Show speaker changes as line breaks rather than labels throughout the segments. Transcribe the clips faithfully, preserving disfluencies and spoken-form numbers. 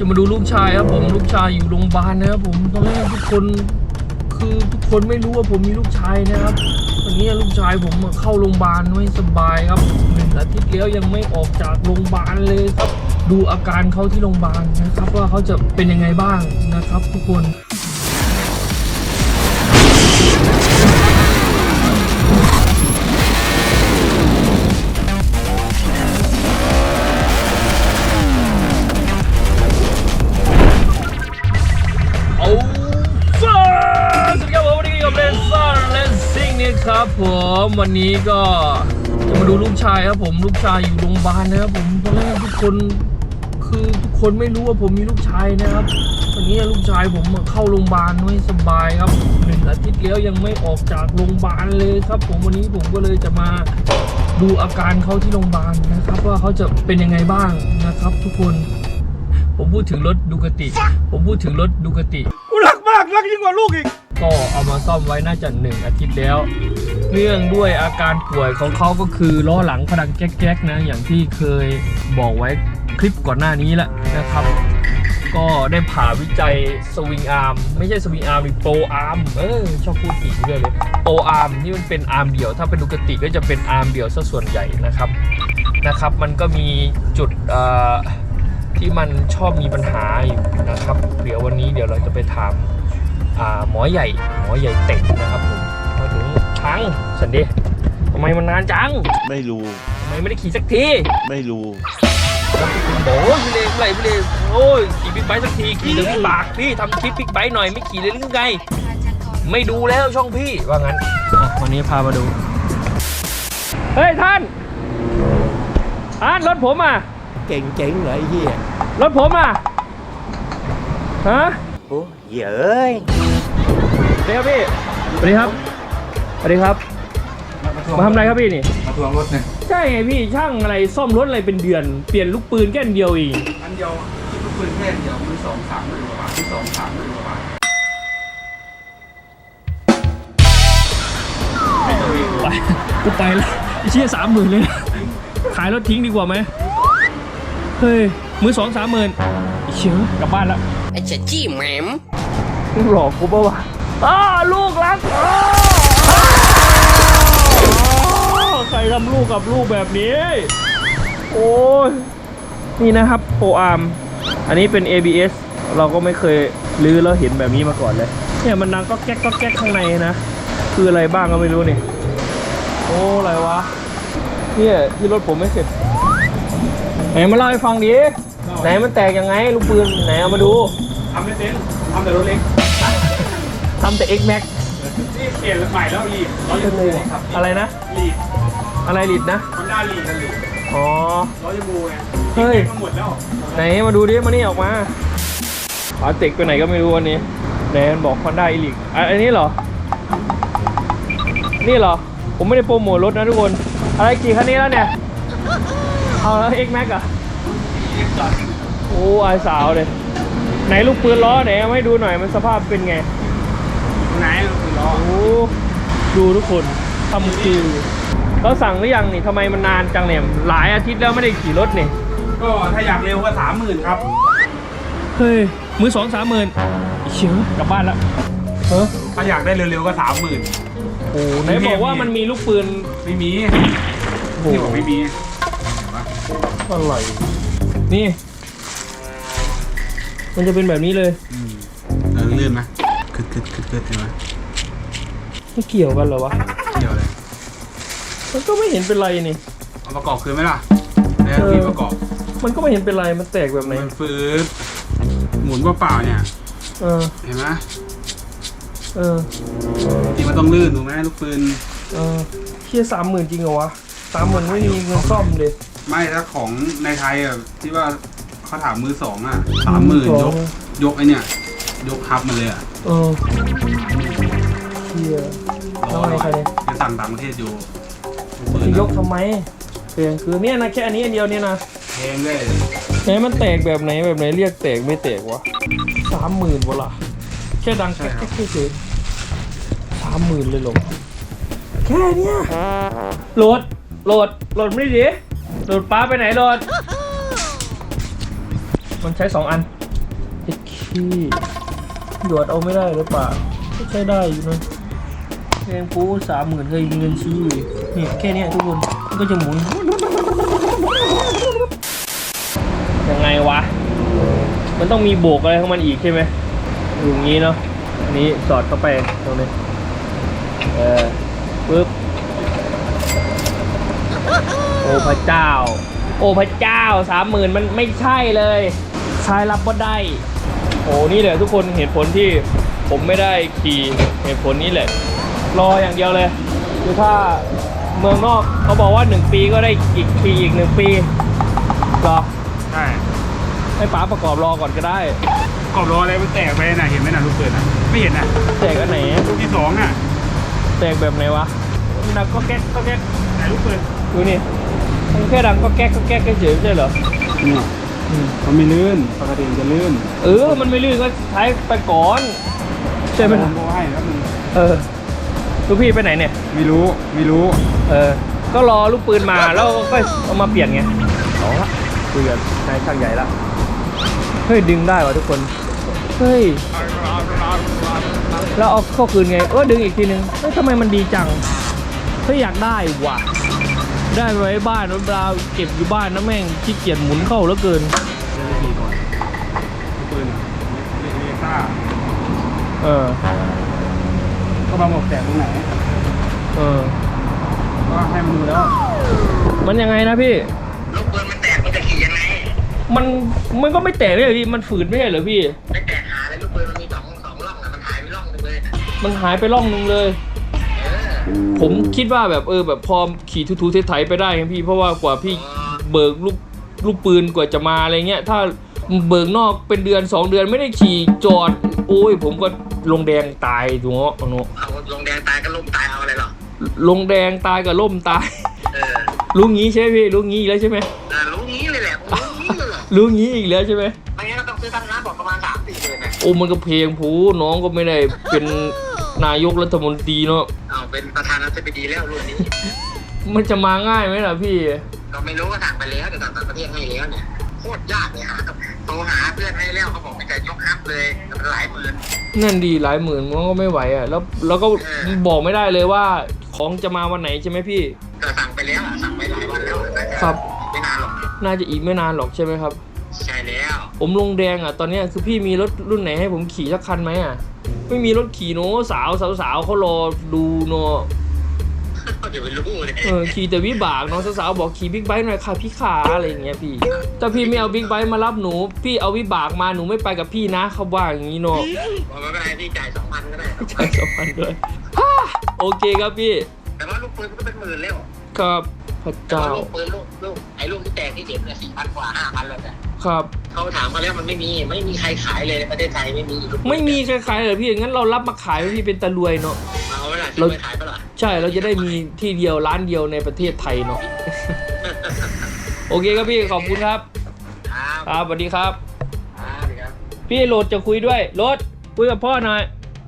จะมาดูลูกชายครับผมลูกชายอยู่โรงพยาบาลนะครับผมตอนแรกทุกคนคือทุกคนไม่รู้ว่าผมมีลูกชายนะครับวันนี้ลูกชายผมเข้าโรงพยาบาลไม่สบายครับหนึ่งอาทิตย์แล้วยังไม่ออกจากโรงพยาบาลเลยครับดูอาการเขาที่โรงพยาบาลนะครับว่าเขาจะเป็นยังไงบ้างนะครับทุกคนครับผมวันนี้ก็จะมาดูลูกชายครับผมลูกชายอยู่โรงพยาบาลนะครับผมตอนแรกทุกคนคือทุกคนไม่รู้ว่าผมมีลูกชายนะครับวันนี้ลูกชายผมเข้าโรงพยาบาลไม่สบายครับหนึ่งอาทิตย์แล้วยังไม่ออกจากโรงพยาบาลเลยครับผมวันนี้ผมก็เลยจะมาดูอาการเขาที่โรงพยาบาลนะครับว่าเขาจะเป็นยังไงบ้างนะครับทุกคนผมพูดถึงรถดูคติผมพูดถึงรถดูคติ
กูรักมากรักยิ่งกว่าลูกอีก
ก็เอามาซ่อมไว้น่าจะหนึ่งอาทิตย์แล้วเนื่องด้วยอาการป่วยของเขาก็คือล้อหลังเขาดังแก๊กๆนะอย่างที่เคยบอกไว้คลิปก่อนหน้านี้แหละนะครับก็ได้ผ่าวิจัยสวิงอาร์มไม่ใช่สวิงอาร์มหรือโปรอาร์มเออชอบพูดผิดเรื่อยเลยโปรอาร์มที่มันเป็นอาร์มเดี่ยวถ้าเป็นดูคติก็จะเป็นอาร์มเดี่ยวซะส่วนใหญ่นะครับนะครับมันก็มีจุดที่มันชอบมีปัญหาอยู่นะครับเดี๋ยววันนี้เดี๋ยวเราจะไปถามหมอใหญ่หมอใหญ่เต็งนะครับผมมาถึงช้างสันเดย์ทำไมมันนานจัง
ไม่รู้
ทำไมไม่ได้ขี่สักที
ไม่รู้
โอ้ยพี่เลพี่เลพี่เลโอ้ยขี่บิ๊กไบค์สักทีขี่ถึงปากพี่ทำคลิปบิ๊กไบค์หน่อยไม่ขี่เลยหรือไงไม่ดูแล้วช่องพี่ว่างั้นวันนี้พามาดูเฮ้ยท่านท่านรถผมอ่ะ
เก่งเจ๋งเลยเฮีย
รถผมอ่ะฮะ
โอ้เหี้ยเอ้ย
เดี๋ยวพี่สวัสดีครับสวัสดีครับมาทำอะไรครับพี่นี่
มาทวงรถเนี่ย
ใช่ไงพี่ช่างอะไรซ่อมรถอะไรเป็นเดือนเปลี่ยนลูกปืนแค่อันเดียวเอง
อันเดียวคิดลูกปืนแค่เดียวมือสองสามหมื่นกว่าบาทมือสองสามหมื่นกว่าบาท
ไปกูไปแล้วเชี่ยสามหมื่นเลยขายรถทิ้งดีกว่าไหมเฮ้ยมือสองสามหมื่นเชี่ยกลับบ้านแล้ว
ไอ้เจ๊จี้แหมม
หลอกกูป่าวะอ้าลูกรักใครทำลูกกับลูกแบบนี้โอ้ยนี่นะครับโปรอาร์มอันนี้เป็น เอ บี เอส เราก็ไม่เคยลื้อแล้วเห็นแบบนี้มาก่อนเลยเนี่ยมันดังก็แก๊กก็แก๊กข้างในนะคืออะไรบ้างก็ไม่รู้นี่โอ้อะไรวะเนี่ยที่รถผมไม่เสร็จไหนมาเล่าให้ฟังดิไหนมันแตกยังไงลูกปืนไหนเอามาดู
ทำไม่เป็นทำแต่รถเล็ก
ทำแต่ X Max
นี่เปลี่ยนใหม่แล้วลีดร้อยยูบูครับ
อะไรนะ
ลีด
อะไรลีดนะ
มันได้ลีดกันลีด
อ๋อ
ร้อยยูบูไง
เฮ้ย
หมดแล้ว
ไหนมาดูดิมานี่ออกมาอาเต็กไปไหนก็ไม่รู้วันนี้ไหนมันบอกคอนด้าอีลิกอันนี้เหรอนี่เหรอผมไม่ได้โปรโมทรถนะทุกคนอะไรกี่คันนี้แล้วเนี่ยเอาแล้ว X Max อ่ะโอ้ไอสาวเลยไหนลูกปืนล้อไหนเอาให้ดูหน่อยมันสภาพเป็นไง
ไหนลูกปืนล้อ
โอ้ดูทุกคนทำคือเราสั่งหรือยังนี่ทำไมมันนานจังเนี่ยหลายอาทิตย์แล้วไม่ได้ขี่รถนี่
ก็ถ้าอยากเร็วก็สามหมื่นครับ
เฮ้ยมือสองสามหมื่นเชื่อกลับบ้านแล้ว
เออถ้าอยากได้เร็วๆก็สามหมื่น
โอ้ไหนบอกว่ามันมีลูกปืน
ไม่มีนี่บอกไม่มี
อะไรนี่มันจะเป็นแบบนี้เลย
อืมเออลื่นไหมคึดคึดคึดคึดใช่ไหม
ไม่เกี่ยวกันเหรอวะ
เกี่ยวเลย
มันก็ไม่เห็นเป็นไรนี่
เอาประกอบคืนไหมล่ะแล้วมีประกอบ
มันก็ไม่เห็นเป็นไรมันแตกแบบไหน
มันฟื้นหมุนเปล่าๆเนี่ย
เออ
เห็นไหม
เออ
ที่มันต้องลื่นถูกไหมลูกปืน
เออเชี่ยสามหมื่นจริงเหรอวะสามหมื่นไม่มีเงินซ่อมเลย
ไม่ถ้าของในไทยอ่ะที่ว่าเขาถามมือสองอ่ะสามหมื่นยกยกไอเนี่ยยกฮับมาเลยอ่ะ
เออเชี่ย
รอหน่อยจะสั่งต่างประเทศอยู่
ยกทำไมเพียงคือเนี่ยนะแค่อันนี้อันเดียวเนี่ยนะ
แพงเลย
ไหนมันแตกแบบไหนแบบไหนเรียกแตกไม่แตกวะสามหมื่นวะล่ะแค่ดังแค่แค่แค่เฉยสามหมื่นเลยหรอแค่เนี้ยโหลดโหลดโหลดไม่ดีโหลดป้าไปไหนโหลดมันใช้สองอันไอ้ขี้หยอดเอาไม่ได้หรือเปล่าก็ใช้ได้อยู่นะแพงปูสามหมื่นเคยมีเงินชี้อยู่นี่แค่เนี้ยทุกคนมันก็จะหมุนยังไงวะมันต้องมีโบกอะไรของมันอีกใช่ไหมอย่างนี้เนาะอันนี้สอดเข้าไปตรงนี้เออปึ๊บโอ้พระเจ้าโอ้พระเจ้าสามหมื่นมันไม่ใช่เลยชายรับก็ได้โอ้นี่แหละทุกคนเหตุผลที่ผมไม่ได้ขี่เหตุผลนี้แหละรออย่างเดียวเลยคือถ้าเมืองนอกเขาบอกว่าหนึ่งปีก็ได้อีกปีอีกหนึ่งปีรอ
ใช่
ให้ป๋าประกอบรอก่อนก็ได้
กรอบล้ออะไรมันแตกไปน่ะเห็นไหมน่ะลูกเปิดน่ะไม่เห็นน่ะ
แตกอันไหน
ลูกที่สองน่ะ
แตกแบบไหนวะมันดังก็แก๊กก็แก๊ก
ไหนลูกเปิด
ดูนี่มันแค่ดังก็แก๊กก็แก๊กเฉยๆไม่ใช่เหรอ
นี่มันไม่ลื่นปกติมันจะลื่น
เออมันไม่ลื่นก็ใช้ไปก่อนใช่ไหม
ผมบอกให้แล้วมึง
เออลูกพี่ไปไหนเนี่ย
ไม่รู้ไม่รู้
เออก็รอลูกปืนมาแล้วก็เอามาเปลี่ยนไงเอาละคุยกับนายช่างใหญ่ละเฮ้ยดึงได้วะทุกคนเฮ้ยแล้วเอาเข้าคืนไงเออดึงอีกทีนึงเฮ้ยทำไมมันดีจังเฮ้ยอยากได้ว่ะได้ไว้บ้านรถดาวเก็บอยู่บ้านนะแม่งขี้เกียจหมุนเข้าแล้วเกิน
เดี๋ยวจะขี่ก่อนลูกปืนเลเลซ่า
เออ
ก็มาบอกแตกตรงไหน
เออ
ก็ให้มันดูแล้ว
มันยังไงนะพี่
ลูกปืนมันแตกมันจะขี่ยังไง
มันมันก็ไม่แตกเลยพี่มันฝืดไม่ใช่เหรอพี่
ไม่แตกหาเลยลูกปืนมันมีสองสองร่องอะมันหายไปร่องหนึงเลยนะ
มันหายไปร่องนึงเลย
เออ
ผมคิดว่าแบบเออแบบพอขี่ทูๆไถๆไปได้ครับพี่เพราะว่ากว่าพี่เบิกลูกลูกปืนกว่าจะมาอะไรเงี้ยถ้าเบิกนอกเป็นเดือนสองเดือนไม่ได้ขี่จอดโอ้ยผมก็ลงแดงตายถูกเนาะเนาะ
เอาลงแดงตายก็ล่มตายเอาอะไรหรอ
ลงแดงตายกับล่มตาย
เออ
รู้งี้ใช่ไหมพี่รู้งี้อีกแล้วใช่ไหม
เออรู้งี้เลยแหละรู้งี้เลยแหละ
รู้งี้อีกแล้วใช่ไหม
ไม่งั้นก็ต้องซื้อตั้งน้ำบอกประมาณสามสี่หมื่นนะ
โอ้มันก็เพลงผูน้องก็ไม่ได้เป็นนายกรัฐมนตรีเนาะ
เอาเป็นประธานาธิบดีแล้วรุ่นนี้
มันจะมาง่ายไหมล่ะพี่
ก็ไม่รู้ก็สั่งไปแล้วแต่ต่างประเทศให้แล้วเนี่ยโคตรยากเลยหาโทรหาเพื่อนให้แล้วเขาบอกไม่จะยกฮับเลยแต่มันหลายหมื่น
นั่นดีหลายหมื่นมันก็ไม่ไหวอ่ะแล้วแล้วก็บอกไม่ได้เลยว่าของจะมาวันไหนใช่ไหมพี่
แต่สั่งไปแล้วอะสั่งไปหลายวันแล้วน่าจะ
ครับ
ไม่นานหรอก
น่าจะอีกไม่นานหรอกใช่ไหมครับ
ใช่แล้ว
ผมลงแดงอ่ะตอนเนี้ยคือพี่มีรถรุ่นไหนให้ผมขี่สักคันไหมอ่ะไม่มีรถขี่โน้สาวสาวสาวเขารอดูเนาะ
เดี๋ยวไปรู้เลย
เออขี่แต่วิบากเนาะสาวๆบอกขี่บิ๊กไบค์หน่อยค่ะพี่ขาอะไรอย่างเงี้ยพี่ถ้าพี่ไม่เอาบิ๊กไบค์มารับหนูพี่เอาวิบากมาหนูไม่ไปกับพี่นะเขาว่าอย่างนี้เนาะ
บอกไม่เป็นไรพี่จ่ายสองพันก็ได้
ใช่สองพันด้วยฮ่าโอเคครับพี่
แต่ว่าลูกปืนก็เป็นหมื่นแล้ว
ครับพระ
แต่
เจ้า
ว่าลูกปืนลูกลูกไอ้ลูกที่แตกที่เจ็บเนี่ยสี่พันกว่าห้าพันแล้วเนี่ย
ครับ
เขาถามเขาแล้วมันไม่มีไม่มีใครขายเลยในประเทศไทยไม่มีลูกปืน
ไม่มีใครขายเลยพี่งั้นเรารับมาขายให้พี่เป็นตะรวยเนาะ
เอาไว้ล่ะ
เรา
จะไปขายปะล่ะ
ใช่เราจะได้มีที่เดียวร้านเดียวในประเทศไทยเนาะ โอเคครับพี่ขอบคุณครับ
ครับ
ครับสวัสดีครับ
ครับครับ
พี่โรดจะคุยด้วยโรดคุยกับพ่อหน่อย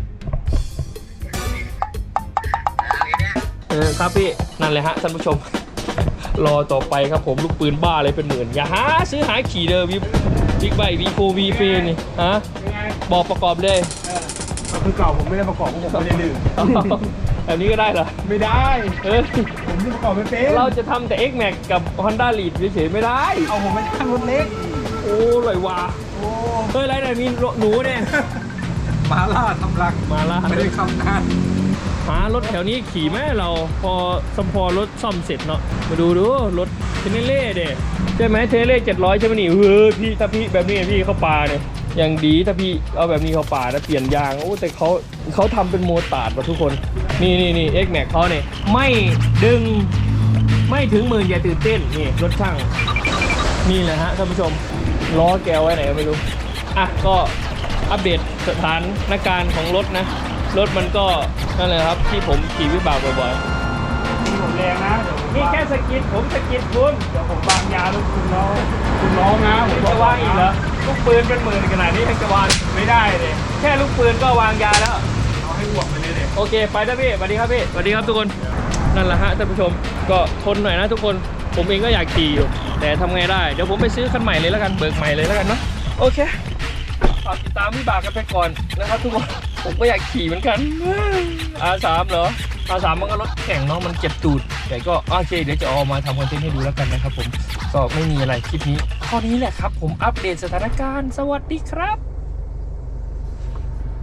อะไรเนี่ย
เออครับพี่นั่นเลยฮะท่านผู้ชม รอต่อไปครับผมลูกปืนบ้าเลยเป็นหมื่นอย่าหาซื้อหาขี่เด้อวิบบิ๊กไบค์วีโฟวีเฟนี่ฮะ
ยังไง
บอกประกอบเลย
เออคือเก่าผมไม่ได้ประกอบเพราะผมไม่ได้ลืม
แบบนี้ก็ได้เหรอ
ไม่ได้
เออ
ผมที่ประกอบไม่เป็น
เราจะทำแต่ X Max กับ Honda Lead เฉยๆไม่ได้
เอาผมไปตั้งรถเล็ก
โอ้ลอยว่ะ
โอ้
เฮ้ยไรไหนมีหนูเนี่ย
มาล่าทำรัง
มาล่า
ไม่ได้คำนาน
หารถแถวนี้ขี่ไหมเราพอสมพอรถซ่อมเสร็จเนาะมาดูดูรถเทเนเล่เด้ใช่ไหมเทเนเล่เจ็ดร้อยใช่ไหมนี่เฮ้ยพี่ถ้าพี่แบบนี้พี่เข้าป่าเนี่ยอย่างดีถ้าพี่เอาแบบนี้เข้าป่านะเปลี่ยนยางโอ้แต่เขาเขาทำเป็นโมตาร์ดว่ะทุกคนนี่นี่นี่ X Max เขาเนี่ยไม่ดึงไม่ถึงหมื่นอย่าตื่นเต้นนี่รถช่างนี่แหละฮะท่านผู้ชมล้อแกวไว้ไหนก็ไม่รู้อ่ะก็อัปเดตสถานการณ์ของรถนะรถมันก็นั่นแหละครับที่ผมขี่วิบากบ่อย
มีผมแรงนะเดี๋ยวผม
ๆนี่แค่สกิดผมสกิดคุณ
เดี๋ยวผมวางยาลูกคุณน้องคุณน้องนะผม
จะวางอีกเหรอลูกปืนเป็นหมื่นขนาดนี้ยังจะวาง
ไม่ได้เลย
แค่ลูกปืนก็วางยาแล้ว
เอาให้อ้วกไปเลยเลย
โอเคไปนะพี่สวัสดีครับพี่สวัสดีครับทุกคนนั่นแหละฮะท่านผู้ชมก็ทนหน่อยนะทุกคนผมเองก็อยากขี่อยู่แต่ทำไงได้เดี๋ยวผมไปซื้อคันใหม่เลยแล้วกันเบิกใหม่เลยแล้วกันเนาะโอเคฝากติดตามวิบากกันไปก่อนนะครับทุกคนผมก็อยากขี่เหมือนกัน อาร์ สาม เหรอ อาร์ สาม มันก็รถแข่งเนาะมันเจ็บตูดแต่ก็โอเคเดี๋ยวจะเอามาทำคอนเทนต์ให้ดูแล้วกันนะครับผมก็ไม่มีอะไรคลิปนี้ข้อนี้แหละครับผมอัปเดตสถานการณ์สวัสดีครับ